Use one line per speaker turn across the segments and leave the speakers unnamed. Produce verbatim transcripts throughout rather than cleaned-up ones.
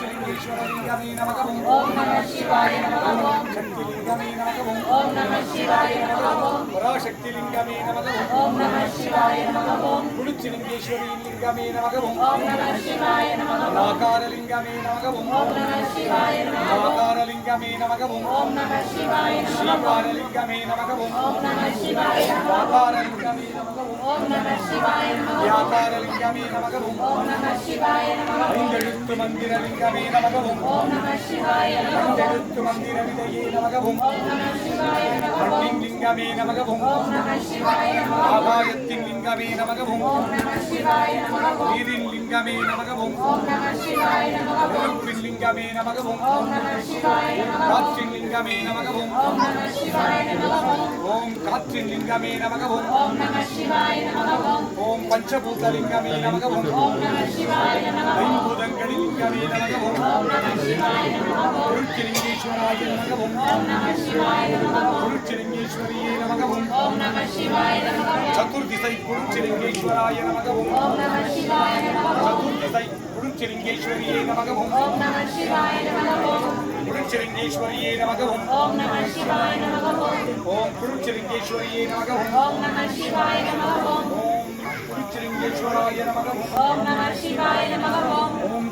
குருச்சிலிங்கேஸ்வரலிங்கமே நமக ஓம் நம சிவாய நமக ஓம் சக்திலிங்கமே நமக ஓம் நம சிவாய நமக ஓம் பராசக்திலிங்கமே நமக ஓம் நம சிவாய நமக ஓம் குருச்சிலிங்கேஸ்வரலிங்கமே நமக ஓம் நம சிவாய நமக ஓம் ஆகாரலிங்கமே நமக ஓம் நம சிவாய நமக ஓம் ஆகாரலிங்கமே நமக ஓம் நம சிவாய நமக ஓம் ஸ்ரீகாரலிங்கமே நமக ஓம் நம சிவாய நமக ஓம் ஆகாரலிங்கமே நமக ஓம் நம சிவாய நமக ஓம் யாகாரலிங்கமே நமக ஓம் நம சிவாய நமக ஓம் ஐந்தெழுத்து மந்திரலிங்கமே நமக ஓம் நம சிவாய நமக ஓம் ஐந்தெழுத்து மந்திர விதையே நமக ஓம் நம சிவாய நமக ஓம் லிங்கமே நமக ஓம் நம சிவாய நமக ஓம் ஆகாயத்தின் லிங்கமே நமக ஓம் நம சிவாய நமக ஓம் நீரின் லிங்கமே நமக ஓம் நம சிவாய நமக ஓம் நெருப்பின் லிங்கமே நமக ஓம் நம சிவாய நமக ஓம் காற்றின் லிங்கமே நமக ஓம் நம சிவாய நமக ஓம் ஓம் காற்றின் லிங்கமே நமக ஓம் நம சிவாய நமக ஓம் ஓம் பஞ்சபூதலிங்கமே நமக ஓம் நம சிவாய நமக ஓம் ஐம்பூதங்களின் லிங்கமே நமக ஓம் நம சிவாய நமக ஓம் குருச்சிலிங்கேஸ்வராய நமக ஓம் நம சிவாய நமக ஓம் குருச்சிலிங்கேஸ்வரியே நமக ஓம் நம சிவாய நமக ஓம் சதுர்திசை குருச்சிலிங்கேஸ்வராய நமக ஓம் நம சிவாய நமக ஓம் சதுர்திசை குருச்சிலிங்கேஸ்வரியே நமக ஓம் நம சிவாய நமக ஓம் குருச்சிலிங்கேஸ்வரியே நமக ஓம் நம சிவாய நமக ஓம் ஓம் குருச்சிலிங்கேஸ்வரியே நமக ஓம் நம சிவாய நமக ஓம் ஓம் குருச்சிலிங்கேஸ்வராய நமக ஓம் நம சிவாய நமக ஓம் ஓம்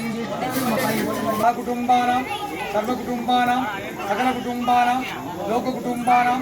குருச்சிலிங்கேஸ்வராய குடும்பானாம் சர்வ குடும்பானாம் சகல குடும்பானாம் லோக குடும்பானாம்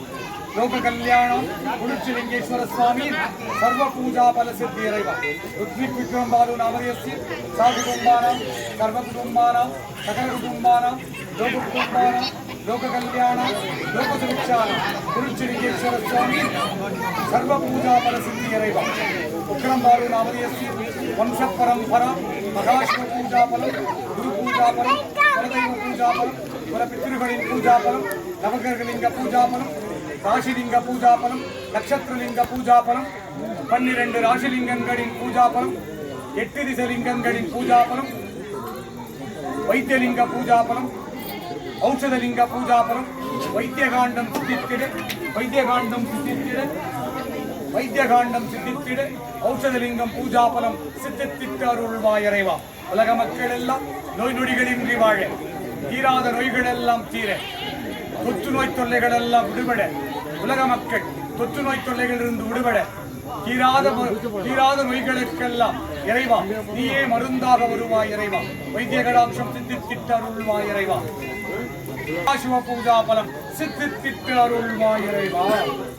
லோக கல்யாணம் குருச்சிலிங்கேஸ்வர சுவாமி சர்வ பூஜா பல சித்தி இறைவா ருத்விக் விக்ரம் பாலு நாமதேஸ்ய சா குடும்பானாம் சர்வ குடும்பானாம் சகல குடும்பானாம் லோக குடும்பானாம் லோக கல்யாணம் லோக சுபிக்ஷானம் குருச்சிலிங்கேஸ்வர சுவாமி சர்வ பூஜா பல சித்தி இறைவா விக்ரம் பாலு நாமதேஸ்ய வம்ச பரம்பரா மகாஷ்ம பூஜா பலம் குரு பூஜா பலம் பரதெய்வ பூஜா பலம் பல பித்ருகளின் பூஜா பலம் நவகிரகலிங்க பூஜா பலம் ராசிலிங்க பூஜா பலம் நட்சத்திரலிங்க பூஜா பலம் பன்னிரண்டு ராசிலிங்கங்களின் பூஜா பலம் எட்டு திசலிங்கங்களின் பூஜா பலம் வைத்தியலிங்க பூஜா பலம் ஔஷதலிங்க பூஜா பலம் வைத்தியகாண்டம் சித்தித்திட வைத்தியகாண்டம் சித்தித்திட வைத்தியகாண்டம் சித்தித்திட ஔஷதலிங்கம் பூஜா பலம் சித்தித்திட்டு அருள்வாய் இறைவா உலக மக்கள் எல்லாம் நோய் நொடிகளின்றி வாழ தீராத நோய்கள் எல்லாம் தீர தொற்று நோய் தொல்லைகள் எல்லாம் விடுபட உலக மக்கள் தொற்று நோய் தொல்லைகளிலிருந்து விடுபட தீராத தீராத நோய்களுக்கெல்லாம் இறைவா நீயே மருந்தாக வருவாய் இறைவா வைத்திய கடாட்சம் சித்தித்திட்டு அருள்வாய் இறைவா சிவ பூஜா பலம் சித்தித்திட்டு அருள்வாய் இறைவா.